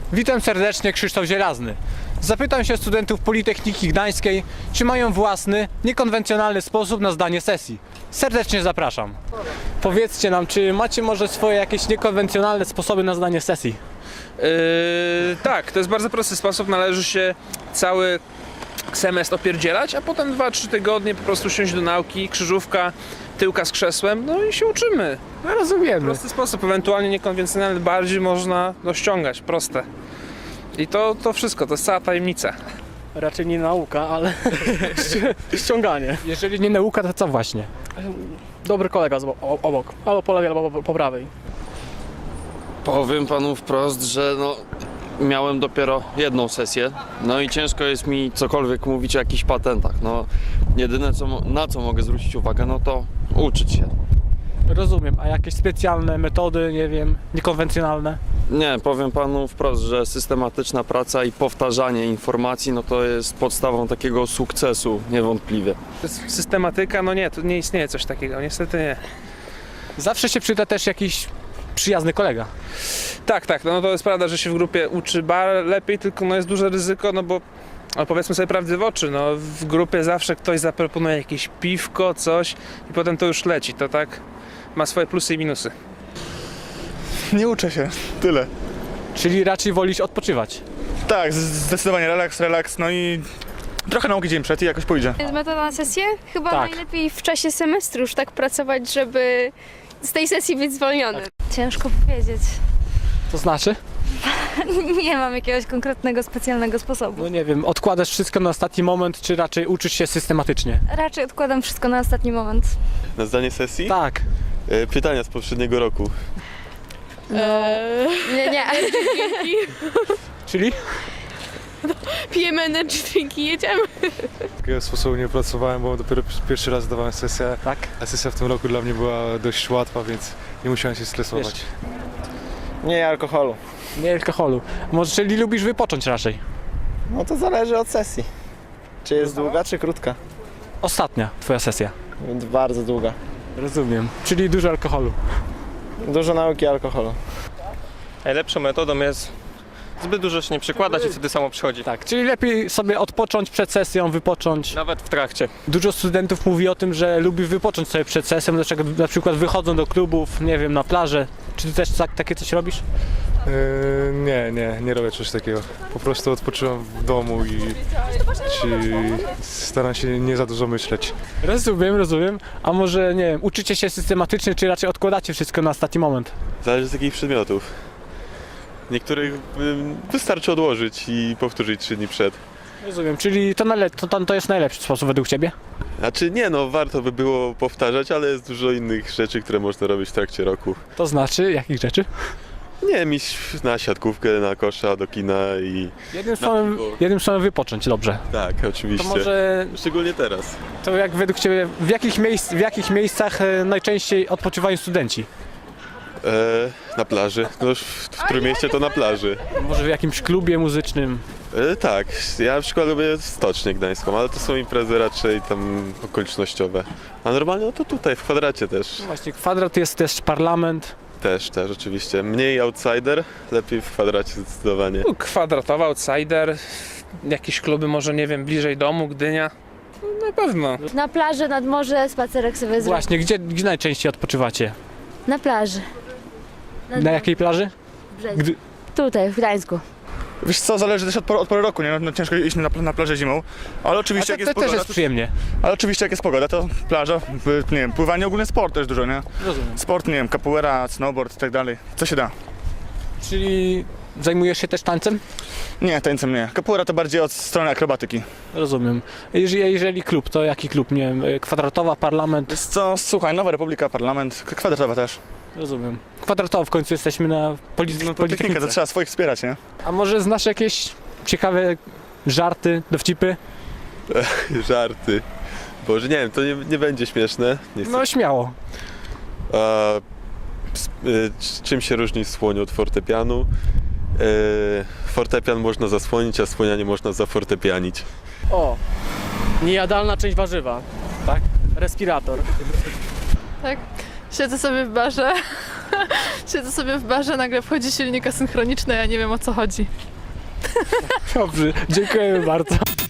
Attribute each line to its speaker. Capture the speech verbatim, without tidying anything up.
Speaker 1: Witam serdecznie, Krzysztof Zielazny. Zapytam się studentów Politechniki Gdańskiej, czy mają własny, niekonwencjonalny sposób na zdanie sesji. Serdecznie zapraszam. Powiedzcie nam, czy macie może swoje jakieś niekonwencjonalne sposoby na zdanie sesji?
Speaker 2: Yy, tak, to jest bardzo prosty sposób. Należy się cały semestr opierdzielać, a potem dwa trzy tygodnie po prostu siąść do nauki, krzyżówka, tyłka z krzesłem, no i się uczymy.
Speaker 1: No rozumiemy.
Speaker 2: Prosty sposób, ewentualnie niekonwencjonalny, bardziej można no, ściągać, proste. I to, to wszystko, to jest cała tajemnica.
Speaker 3: Raczej nie nauka, ale ściąganie.
Speaker 1: Jeżeli nie nauka, to co właśnie?
Speaker 3: Dobry kolega z bo- o- obok, albo po lewej, albo po, po prawej.
Speaker 4: Powiem panu wprost, że no, miałem dopiero jedną sesję, no i ciężko jest mi cokolwiek mówić o jakichś patentach. No, jedyne co, mo- na co mogę zwrócić uwagę, no to uczyć się.
Speaker 1: Rozumiem, a jakieś specjalne metody, nie wiem, niekonwencjonalne?
Speaker 4: Nie, powiem panu wprost, że systematyczna praca i powtarzanie informacji, no to jest podstawą takiego sukcesu, niewątpliwie.
Speaker 2: To jest systematyka, no nie, to nie istnieje coś takiego, niestety nie.
Speaker 1: Zawsze się przyda też jakiś przyjazny kolega.
Speaker 2: Tak, tak, no to jest prawda, że się w grupie uczy bar lepiej, tylko no jest duże ryzyko, no bo no powiedzmy sobie prawdę w oczy, no w grupie zawsze ktoś zaproponuje jakieś piwko, coś i potem to już leci, to tak ma swoje plusy i minusy.
Speaker 5: Nie uczę się, tyle.
Speaker 1: Czyli raczej wolisz odpoczywać.
Speaker 5: Tak, z- zdecydowanie relaks, relaks, no i trochę nauki dzień przed i jakoś pójdzie.
Speaker 6: Jest metoda na sesję? Chyba
Speaker 1: Tak.
Speaker 6: najlepiej w czasie semestru już tak pracować, żeby z tej sesji być zwolniony.
Speaker 7: Ciężko powiedzieć.
Speaker 1: To znaczy?
Speaker 7: Nie mam jakiegoś konkretnego, specjalnego sposobu.
Speaker 1: No nie wiem, odkładasz wszystko na ostatni moment, czy raczej uczysz się systematycznie?
Speaker 7: Raczej odkładam wszystko na ostatni moment.
Speaker 8: Na zdanie sesji?
Speaker 1: Tak.
Speaker 8: E, Pytania z poprzedniego roku.
Speaker 6: Nie, nie.
Speaker 1: Czyli?
Speaker 6: Pijemy energy drinki, jedziemy.
Speaker 9: Takiego sposobu nie pracowałem, bo dopiero pierwszy raz zdawałem sesję,
Speaker 1: Tak.
Speaker 9: a sesja w tym roku dla mnie była dość łatwa, więc nie musiałem się stresować.
Speaker 1: Wiesz.
Speaker 5: Nie alkoholu.
Speaker 1: Nie alkoholu. Może czyli lubisz wypocząć raczej?
Speaker 5: No to zależy od sesji. Czy jest długa, czy krótka?
Speaker 1: Ostatnia twoja sesja.
Speaker 5: Bardzo długa.
Speaker 1: Rozumiem. Czyli dużo alkoholu.
Speaker 5: Dużo nauki alkoholu.
Speaker 10: Najlepszą metodą jest zbyt dużo się nie przykładać i wtedy samo przychodzi.
Speaker 1: Tak, czyli lepiej sobie odpocząć przed sesją, wypocząć.
Speaker 10: Nawet w trakcie.
Speaker 1: Dużo studentów mówi o tym, że lubi wypocząć sobie przed sesją, dlaczego na przykład wychodzą do klubów, nie wiem, na plażę. Czy ty też tak, takie coś robisz?
Speaker 9: Yy, nie, nie, nie robię czegoś takiego. Po prostu odpoczywam w domu i ci staram się nie za dużo myśleć.
Speaker 1: Rozumiem, rozumiem. A może, nie wiem, uczycie się systematycznie, czy raczej odkładacie wszystko na ostatni moment?
Speaker 8: Zależy z jakich przedmiotów. Niektórych ym, wystarczy odłożyć i powtórzyć trzy dni przed.
Speaker 1: Rozumiem, czyli to, najle- to, to, to jest najlepszy sposób według ciebie?
Speaker 8: Znaczy nie no, warto by było powtarzać, ale jest dużo innych rzeczy, które można robić w trakcie roku.
Speaker 1: To znaczy, jakich rzeczy?
Speaker 8: Nie wiem, iść na siatkówkę, na kosza, do kina i...
Speaker 1: Jednym słowem,
Speaker 8: piwo.
Speaker 1: jednym słowem wypocząć, dobrze.
Speaker 8: Tak,
Speaker 1: To
Speaker 8: oczywiście.
Speaker 1: może,
Speaker 8: Szczególnie teraz.
Speaker 1: to jak według ciebie, w jakich, miejsc, w jakich miejscach e, najczęściej odpoczywają studenci?
Speaker 8: E, na plaży. No, w, w którym mieście to na plaży.
Speaker 1: Może w jakimś klubie muzycznym?
Speaker 8: E, tak, ja na przykład lubię Stocznię Gdańską, ale to są imprezy raczej tam okolicznościowe. A normalnie no to tutaj, w kwadracie też.
Speaker 1: Właśnie, kwadrat jest też parlament.
Speaker 8: Też, też oczywiście. Mniej outsider, lepiej w kwadracie zdecydowanie.
Speaker 2: No, kwadratowy outsider, jakieś kluby może, nie wiem, bliżej domu, Gdynia. No, na pewno.
Speaker 7: Na plaży, nad morze, spacerek sobie zrobić.
Speaker 1: Właśnie, gdzie, gdzie najczęściej odpoczywacie?
Speaker 7: Na plaży. Nad
Speaker 1: Na jakiej plaży?
Speaker 7: brzegiem.
Speaker 1: Gdy...
Speaker 7: Tutaj, w Gdańsku.
Speaker 5: Wiesz co, zależy też od, pory- od pory roku, nie? No, ciężko iść na, na plażę zimą, ale
Speaker 1: A
Speaker 5: oczywiście
Speaker 1: to,
Speaker 5: jak
Speaker 1: to
Speaker 5: jest
Speaker 1: też
Speaker 5: pogoda,
Speaker 1: jest przyjemnie.
Speaker 5: ale oczywiście jak jest pogoda, to plaża, y, nie wiem, pływanie, ogólnie sport też dużo, nie?
Speaker 1: Rozumiem.
Speaker 5: Sport, nie wiem, capoeira, snowboard i tak dalej, co się da.
Speaker 1: Czyli zajmujesz się też tańcem?
Speaker 5: Nie, tańcem nie. Capoeira to bardziej od strony akrobatyki.
Speaker 1: Rozumiem. Jeżeli, jeżeli klub, to jaki klub? Nie wiem, kwadratowa, parlament?
Speaker 5: Wiesz co, słuchaj, Nowa Republika, parlament, k- kwadratowa też.
Speaker 1: Rozumiem. Kwadratowo w końcu jesteśmy na poli-
Speaker 5: No,
Speaker 1: politechnice.
Speaker 5: Politechnika, to trzeba swoich wspierać, nie?
Speaker 1: A może znasz jakieś ciekawe żarty, dowcipy?
Speaker 8: Żarty. Boże, nie wiem, to nie, nie będzie śmieszne. Nie chcę.
Speaker 1: No śmiało.
Speaker 8: A, s- y, c- czym się różni słoń od fortepianu? Y, fortepian można zasłonić, a słonia nie można zafortepianić.
Speaker 3: O, niejadalna część warzywa.
Speaker 1: Tak?
Speaker 3: Respirator.
Speaker 6: Tak. Siedzę sobie w barze
Speaker 11: Siedzę sobie w barze, nagle wchodzi silnik asynchroniczny, ja nie wiem o co chodzi.
Speaker 1: Dobrze, dziękujemy bardzo.